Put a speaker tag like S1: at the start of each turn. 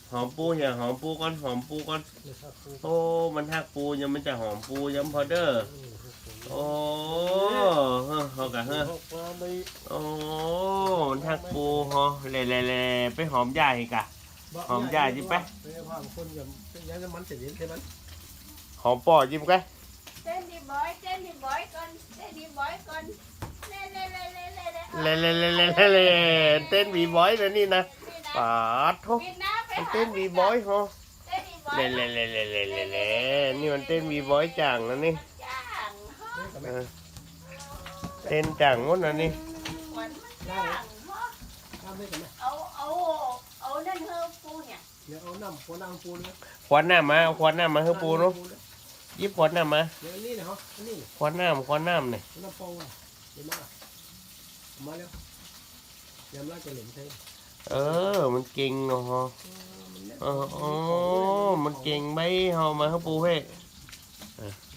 S1: หอมปูอย่าหอมปูก่อนหอมปูก่อนโอ้มันทักปูยังมันจะหอมปูยังพอเด้อโอ้เขากะเฮ้อโอ้มันทักปูฮอเล่ไปหอมใหญ่กะหอมใหญ่จิไปหอมปอจิ้มกัน
S2: เต้นดีบอยก่อนเต้นดีบอยก่อนเล่
S1: เต้นวีบอยนะนี่นะปาดทุกเต้นวีบอยฮะเล่นี่มันเต้นวีบอยจังนะนี่เต้นจังงดนะนี่
S2: เอานั่นเฮอปูเนี่ย
S1: ขวดน้ำมาเอาขวดน้ำมาให้ปูเนาะยิบขวดน้ำมาขวดน้ำเนี่ยมันเก่งเนาะมันเก่งไหมเอามาให้ปูให้